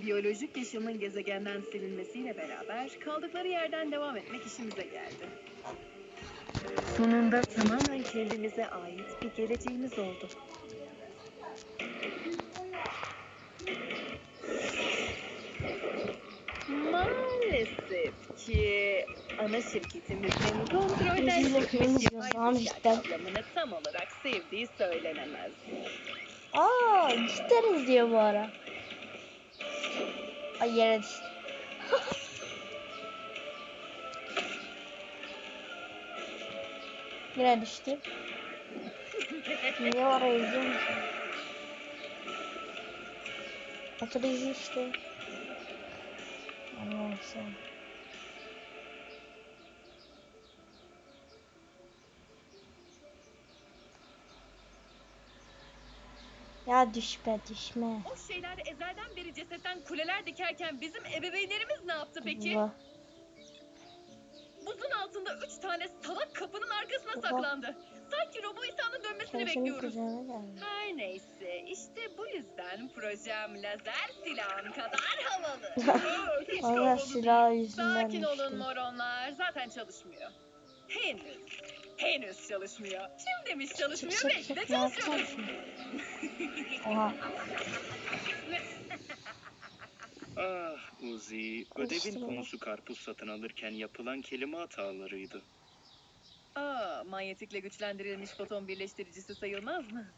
Biyolojik yaşamın gezegenden silinmesiyle beraber kaldıkları yerden devam etmek işimize geldi. Sonunda tamamen kendimize ait bir geleceğimiz oldu. Maalesef ki ana şirketimizin kontrolden çıkmış yapay zeka kavramını tam olarak sevdiği söylenemez. Cidden izliyor bu ara. Ay yere düştü. Yine düştü. Niye oraya izliyor musun? Otur izle işte. Anlarsın. Ya düşme. O şeyler ezelden beri cesetten kuleler dikerken bizim ebeveynlerimiz ne yaptı peki? Allah. Buzun altında 3 tane salak kapının arkasına saklandı. Sanki Robo-İsa'nın dönmesini bekliyoruz. Her neyse, işte bu yüzden projem lazer silahım kadar havalı. Allah silahı yüzünden Sakin olun düştüm. moronlar, zaten çalışmıyor. Henüz çalışmıyor. Kim demiş çalışmıyor? Belki de çalışıyordur. Oha. Ah Uzi, ödevin konusu karpuz satın alırken yapılan kelime hatalarıydı. Manyetikle güçlendirilmiş foton birleştiricisi sayılmaz mı?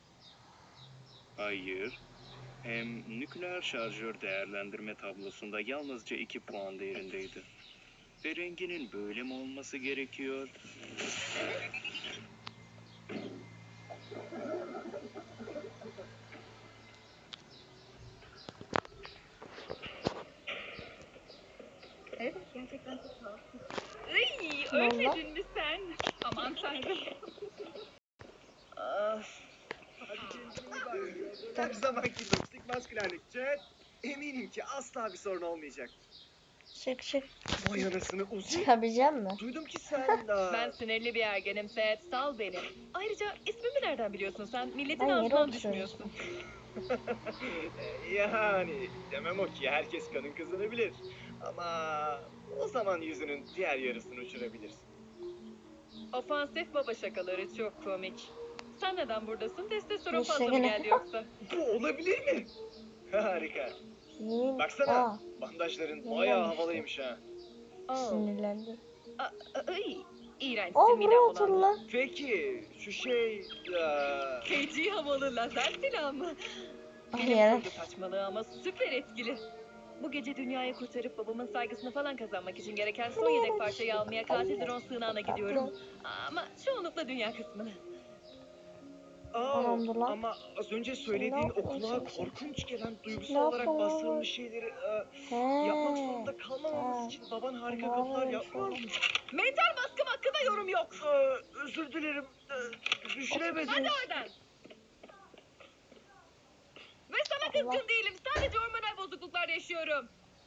Hayır. Hem nükleer şarjör değerlendirme tablosunda yalnızca 2 puan değerindeydi. Ve renginin böyle mi olması gerekiyor? Evet, gerçekten çok rahatsız. Ölmedin mi sen? Aman tanrım. Her zamanki toksik maskülenlik chat. Eminim ki asla bir sorun olmayacak. Çık. Vay anasını Uzi. Çıkabilecek mi? Duydum ki sen daha... Ben sinirli bir ergenim Seth, sal beni. Ayrıca ismimi nereden biliyorsun sen? Milletin Ben yere ağzından oturuyorum. düşmüyorsun. Yani demem o ki herkes kanın kızını bilir. Ama o zaman yüzünün diğer yarısını uçurabilirsin. Ofansif baba şakaları çok komik. Sen neden buradasın? Testosteron İşte fazla mı gene. geldi yoksa? Bu olabilir mi? Harika. Yemin. Baksana bandajların bayağı havalıymış ha. Sinirlendim. İğrençsin midem Buraya otur bulandı. lan. Peki şu şey... Feci havalı lazer silahı mı? Ay Benim yere. kurgu saçmalığı ama süper etkili. Bu gece dünyayı kurtarıp babamın saygısını falan kazanmak için gereken son yedek parçayı almaya katil drone sığınağına gidiyorum. Ama çoğunlukla dünya kısmını. Adamdır lan. Ama az önce söylediğin o kulağa korkunç gelen duygusal olarak bastırılmış şeyleri yapmak zorunda kalmamamız için baban harika kapılar yapmıyor mu? Mental baskım hakkında yorum yok. Özür dilerim. Düşünemedim. Hadi oradan. Ve sana kızgın değilim. Sadece hormonal bozukluklar yaşıyorum.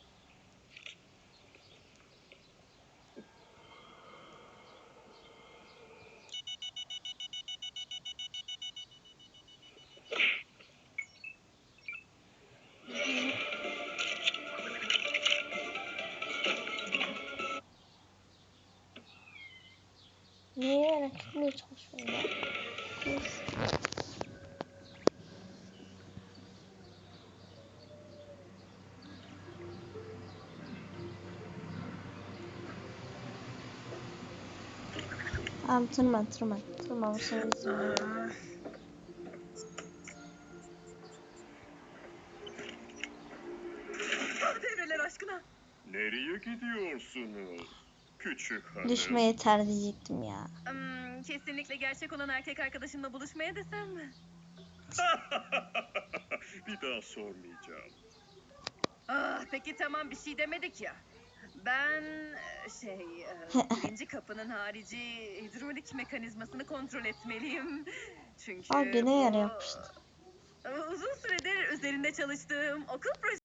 Niye merak etmeye çalışıyorum ya? Tamam tırman bu senin yüzünden. Devreler aşkına. Nereye gidiyorsunuz? Küçük hanım. Düşme yeter diyecektim ya. Kesinlikle gerçek olan erkek arkadaşımla buluşmaya desem mi? Bir daha sormayacağım. Peki tamam, bir şey demedik ya. Ben birinci kapının harici hidrolik mekanizmasını kontrol etmeliyim. Çünkü Gene yer yapmıştı. uzun süredir üzerinde çalıştığım okul projesi